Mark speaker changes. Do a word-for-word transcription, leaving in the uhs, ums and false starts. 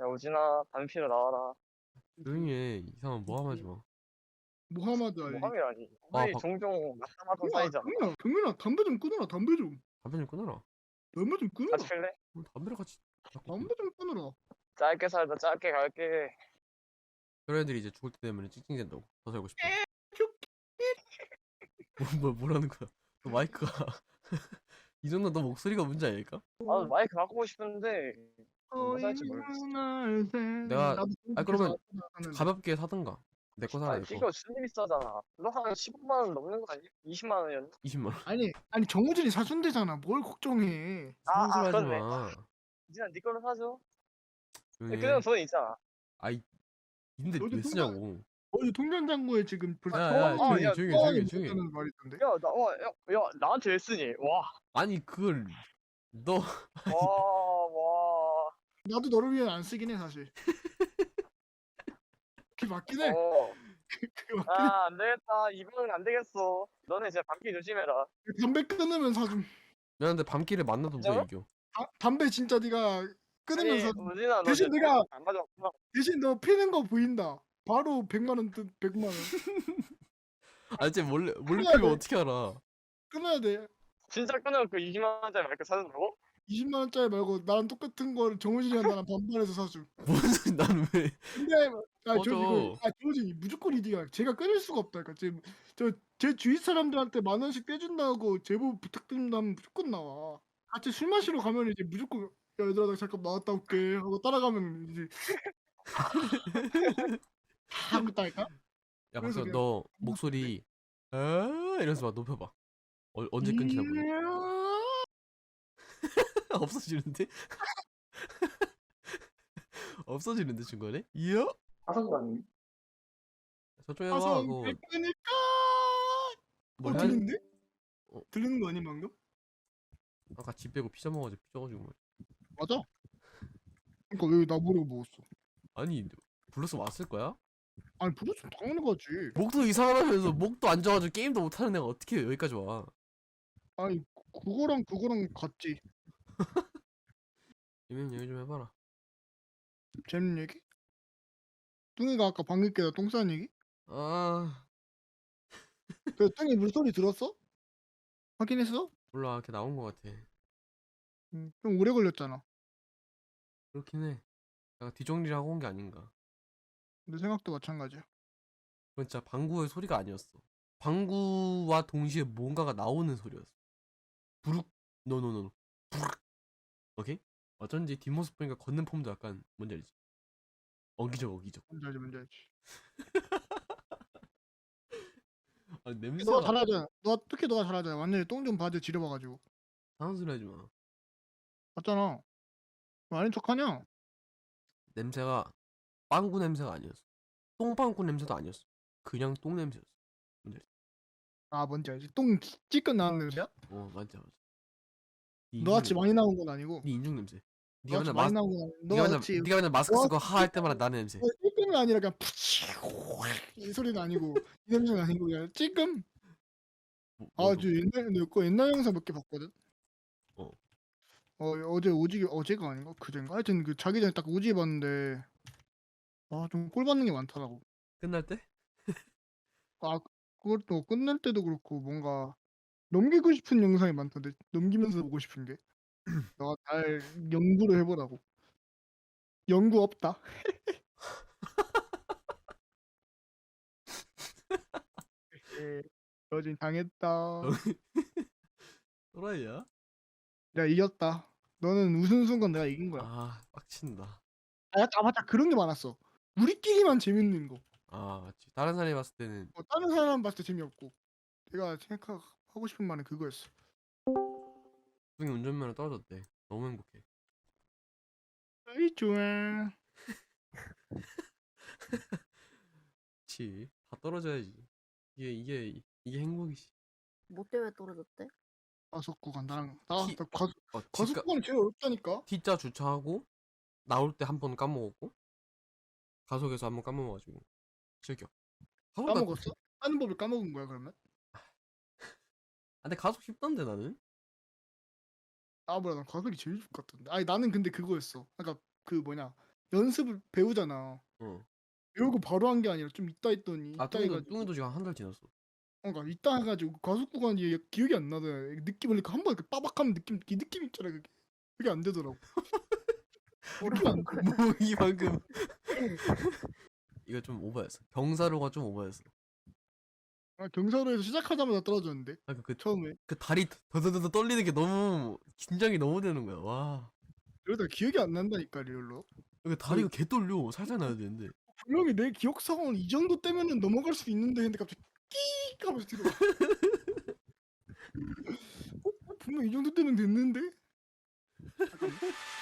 Speaker 1: 야, 우진아, 담배 피러 나와라.
Speaker 2: 조용히 해. 이상한 모함 하지 마.
Speaker 3: 무하마드 알리.
Speaker 1: 모함이라니.
Speaker 2: 아,
Speaker 1: 우리
Speaker 2: 박,
Speaker 1: 종종 낙담하던
Speaker 3: 야,
Speaker 1: 사이잖아.
Speaker 3: 경민아, 경민아, 담배 좀 끊어라, 담배 좀.
Speaker 2: 담배 좀 끊어라.
Speaker 3: 담배 좀
Speaker 1: 같이
Speaker 3: 끊어라.
Speaker 1: 필래?
Speaker 2: 그럼 담배를 같이 자꾸 피.
Speaker 3: 담배 좀 끊어라.
Speaker 1: 짧게 살다 짧게 갈게.
Speaker 2: 그런 애들이 이제 죽을 때 되면 찡찡댄다고. 더 살고 싶어. 뭐, 뭐, 뭐라는 거야? 너 마이크가 이 정도 너 목소리가 문제 아닐까?
Speaker 1: 아, 마이크 바꾸고 싶은데 뭐
Speaker 3: 어이
Speaker 1: 살지 모르겠어.
Speaker 3: 날 새.
Speaker 2: 내가-
Speaker 3: 나도
Speaker 2: 아, 그러면
Speaker 3: 하는데.
Speaker 2: 가볍게 사든가. 내 거 사라,
Speaker 1: 아니,
Speaker 2: 내 거.
Speaker 1: 이거 준비 비싸잖아. 너 한 십오만 원 넘는 거 아니야? 이십만 원이었나?
Speaker 2: 이십만 원.
Speaker 3: 아니, 아니 정우진이 사준대잖아. 뭘 걱정해.
Speaker 1: 아,
Speaker 2: 이상한 소리
Speaker 1: 아,
Speaker 2: 하지
Speaker 1: 그렇네.
Speaker 2: 마.
Speaker 1: 우진아, 네 걸로 사줘.
Speaker 2: 조용히
Speaker 1: 그냥
Speaker 2: 해.
Speaker 1: 돈 있잖아.
Speaker 2: 아이, 근데
Speaker 3: 너도
Speaker 2: 왜 쓰냐고.
Speaker 3: 어제 통장장고에 지금 벌써
Speaker 2: 야, 야,
Speaker 1: 아,
Speaker 2: 조용히,
Speaker 1: 야,
Speaker 2: 조용히,
Speaker 3: 천원이
Speaker 2: 조용히, 조용히.
Speaker 3: 묻었다는 말이 있던데.
Speaker 1: 야, 나, 와, 야, 야, 나한테 왜 쓰니? 와,
Speaker 2: 아니, 그걸, 너,
Speaker 1: 와, 와.
Speaker 3: 나도 너를 위해 안 쓰긴 해 사실. 그게 맞긴 해.
Speaker 1: 어.
Speaker 3: 그게 맞긴 해.
Speaker 1: 아, 안 되겠다. 이번엔 안 되겠어. 너네 진짜 밤길 조심해라.
Speaker 3: 담배 끊으면 사줌.
Speaker 2: 미안한데 밤길에 만나도 누가
Speaker 1: 진짜로?
Speaker 2: 이겨.
Speaker 3: 아, 담배 진짜 네가 끊으면
Speaker 1: 아니,
Speaker 3: 사줌.
Speaker 1: 우진아, 너
Speaker 3: 대신
Speaker 1: 진짜
Speaker 3: 내가-
Speaker 1: 안 가져왔구나.
Speaker 3: 대신 너 피는 거 보인다. 바로 백만 원, 뜯- 백만 원.
Speaker 2: 아, 진짜 몰래, 몰래
Speaker 3: 끊어야
Speaker 2: 피면
Speaker 3: 돼.
Speaker 2: 어떻게 알아?
Speaker 3: 끊어야 돼.
Speaker 1: 진짜 끊어놓고 이십만 원짜리 마이크 사준다고?
Speaker 3: 이십만 원짜리 말고 나랑 똑같은 거를 정우진이랑 나랑 반반해서 사줌.
Speaker 2: 뭔 소리, 나는 왜.
Speaker 3: 근데 아, 저
Speaker 2: 꺼져.
Speaker 3: 이거 아, 정우진이 무조건 이디야. 제가 끊을 수가 없다. 그러니까 지금 저제 주위 사람들한테 만 원씩 떼준다고 제보 부탁드린다면 무조건 나와. 같이 술 마시러 가면 이제 무조건 야, 얘들아 나 잠깐 나갔다 올게 하고 따라가면 이제 하고 있다니까.
Speaker 2: 야,
Speaker 3: 그래서
Speaker 2: 박수,
Speaker 3: 그냥
Speaker 2: 너 목소리, 아, 이러면서 막 높여봐. 어, 언제 끊지 나 보네. 없어지는데? 없어지는데 중간에? 이야?
Speaker 1: 하성도 아니
Speaker 2: 저쪽에 봐.
Speaker 3: 가서
Speaker 2: 그거
Speaker 3: 그러니까
Speaker 2: 뭘
Speaker 3: 어,
Speaker 2: 해야
Speaker 3: 들리는데?
Speaker 2: 어.
Speaker 3: 들리는 거 아니 방금?
Speaker 2: 아까 집 빼고 피자 먹어가지고 삐져가지고 말이야.
Speaker 3: 맞아. 그러니까 왜 나 모르고 먹었어?
Speaker 2: 아니 불러서 왔을 거야?
Speaker 3: 아니 부르스 당연히 가지.
Speaker 2: 목도 이상하다면서 목도 안 좋아가지고 게임도 못하는 애가 어떻게 여기까지 와?
Speaker 3: 아니 그거랑 그거랑 같지.
Speaker 2: 이면 얘기 좀 해봐라.
Speaker 3: 재밌는 얘기? 뚱이가 아까 방귀 깨다 똥 싸는 얘기?
Speaker 2: 아
Speaker 3: 그 뚱이 물소리 들었어? 확인했어?
Speaker 2: 몰라, 이렇게 나온 거 같아.
Speaker 3: 응, 좀 오래 걸렸잖아.
Speaker 2: 그렇긴 해. 내가 뒤정리를 하고 온 게 아닌가.
Speaker 3: 내 생각도 마찬가지야.
Speaker 2: 그건 진짜 방구의 소리가 아니었어. 방구와 동시에 뭔가가 나오는 소리였어. 부룩 노노노 부룩. 오케이? 어쩐지 뒷모습 보니까 걷는 폼도 약간 뭔지 알지? 어기적 어기적.
Speaker 3: 뭔지 알지 뭔지 알지.
Speaker 2: 아
Speaker 3: 너가
Speaker 2: 냄새가
Speaker 3: 잘하잖아. 너 특히 너가 잘하잖아. 완전히 똥 좀 바지 지려봐가지고.
Speaker 2: 이상한 소리 하지 마.
Speaker 3: 맞잖아. 왜 아닌 척하냐?
Speaker 2: 냄새가 빵구 냄새가 아니었어. 똥빵구 냄새도 아니었어. 그냥 똥 냄새였어. 뭔지 알지?
Speaker 3: 아 뭔지 알지. 똥 찌끈 나는 냄새야?
Speaker 2: 어 맞아 맞아. 네
Speaker 3: 너같이
Speaker 2: 인중
Speaker 3: 많이 나온 건 아니고.
Speaker 2: 네 인중 냄새. 네가
Speaker 3: 너같이
Speaker 2: 맨날
Speaker 3: 많이
Speaker 2: 마스
Speaker 3: 나온 건 아니고.
Speaker 2: 네가 맨날
Speaker 3: 너같이
Speaker 2: 네가 맨날 마스크 쓰고
Speaker 3: 너같이
Speaker 2: 하할 때마다 나는 냄새.
Speaker 3: 찌끔이 아니라 그냥 푸치고 이 소리는 아니고 이 냄새는 아니고 그냥 찌끔.
Speaker 2: 뭐,
Speaker 3: 아,
Speaker 2: 뭐도.
Speaker 3: 저 옛날 내거 옛날 영상 몇 개 봤거든.
Speaker 2: 어.
Speaker 3: 어 어제 오지 어제가 아닌가 그젠가 하여튼 그 자기 전에 딱 오지 봤는데 아 좀 꼴 받는 게 많더라고.
Speaker 2: 끝날 때?
Speaker 3: 아 그것도 끝날 때도 그렇고 뭔가 넘기고 싶은 영상이 많던데 넘기면서 보고 싶은 게 너가 잘 연구를 해보라고. 연구 없다. 예, 여진 당했다.
Speaker 2: 또라이야?
Speaker 3: 내가 이겼다. 너는 웃은 순간 내가 이긴 거야.
Speaker 2: 아 빡친다.
Speaker 3: 아, 약간- 아 맞다 그런 게 많았어. 우리끼리만 재밌는 거.
Speaker 2: 아 맞지. 다른 사람이 봤을 때는
Speaker 3: 어, 다른 사람 봤을 때 재미없고 내가 생각하고 싶은 말은 그거였어.
Speaker 2: 중이 운전면허 떨어졌대. 너무 행복해.
Speaker 3: 아이 좋아.
Speaker 2: 그치. 다 떨어져야지. 이게 이게 이게 행복이지.
Speaker 4: 뭐 때문에 떨어졌대?
Speaker 3: 과속 구간 나랑 나,
Speaker 2: 티-
Speaker 3: 나 과속
Speaker 2: 어,
Speaker 3: 과속
Speaker 2: 뒷가,
Speaker 3: 구간이 제일 어렵다니까.
Speaker 2: T자 주차하고 나올 때 한 번 까먹었고 가속에서 한 번 까먹어가지고 즐겨. 가속다.
Speaker 3: 까먹었어? 하는 법을 까먹은 거야 그러면?
Speaker 2: 아, 근데 가속 쉽던데 나는.
Speaker 3: 아 뭐야 난 과속이 제일 좋 같던데. 아니 나는 근데 그거였어. 그러니까 그 뭐냐 연습을 배우잖아.
Speaker 2: 어.
Speaker 3: 배우고 바로 한 게 아니라 좀 있다 했더니
Speaker 2: 아
Speaker 3: 있다
Speaker 2: 뚱이도
Speaker 3: 해가지고
Speaker 2: 뚱이도 지금 한 달 지났어.
Speaker 3: 그러니까 있다 해가지고 과속 구간이 기억이 안 나더라. 느낌을 이렇게 한번 이렇게 빠박하면 느낌 이 느낌 있잖아 그게. 그게 안 되더라고. 느낌 안 돼.
Speaker 2: 뭐 이 방금 이거 좀 오버였어. 경사로가 좀 오버였어.
Speaker 3: 아, 경사로에서 시작하자마자 떨어졌는데
Speaker 2: 아, 그, 그,
Speaker 3: 처음에.
Speaker 2: 그 다리 더더더더 떨리는 게 너무 긴장이 너무 되는 거야. 와.
Speaker 3: 이러다 기억이 안 난다니까 리얼로.
Speaker 2: 그 다리가 개 떨려. 살살 나야 되는데.
Speaker 3: 분명히 내 기억상은 이 정도 때면은 넘어갈 수 있는데 근데 갑자기 끼익 하면서 들어가. 어? 어? 분명 이 정도 때면 됐는데? 잠깐만.